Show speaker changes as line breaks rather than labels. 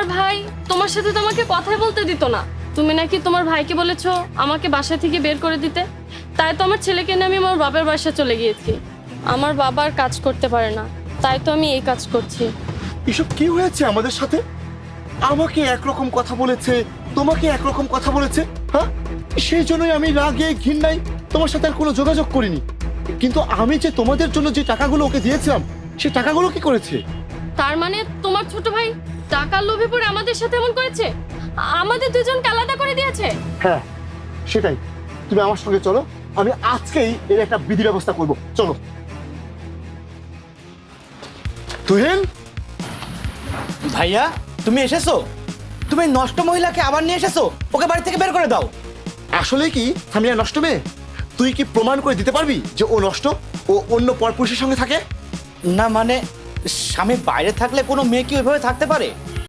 তোমার ভাই তোমার সাথে তো আমাকে কথাই বলতে দিত না। তুমি নাকি তোমার ভাইকে বলেছো আমাকে বাসা থেকে বের করে দিতে। তাই তো আমার ছেলেকে নিয়ে আমি আমার বাবার বাসা চলে গিয়েছি। আমার বাবা আর কাজ করতে পারে না, তাই তো আমি এই কাজ করছি।
এসব কি হয়েছে আমাদের সাথে? আমাকে একরকম কথা বলেছে, তোমাকে একরকম কথা বলেছে। হ্যাঁ, সেই জন্যই আমি রাগে ঘৃণায় তোমার সাথে আর কোনো যোগাযোগ করিনি। কিন্তু আমি যে তোমাদের জন্য যে টাকাগুলো ওকে দিয়েছিলাম, সেই টাকাগুলো কি করেছে?
তার মানে তোমার ছোট ভাই টাকার লোভে পড়ে আমাদের সাথে এমন করেছে, আমাদের দুজনকে আলাদা করে দিয়েছে।
হ্যাঁ, সেটাই। তুমি আমার সঙ্গে চলো, আমি আজকেই এর একটা বিধি ব্যবস্থা করব। চলো। তুহিন,
ভাইয়া তুমি এসেছো? তুমি নষ্ট মহিলাকে আবার নিয়ে এসেছো? ওকে বাড়ি থেকে বের করে দাও।
আসলে কি সামিয়া নষ্ট মেয়ে? তুই কি প্রমাণ করে দিতে পারবি যে ও নষ্ট, ও অন্য পরপুরুষের সঙ্গে থাকে?
না মানে স্বামী বাইরে থাকলে কোনো মেয়ে কি ওইভাবে থাকতে পারে?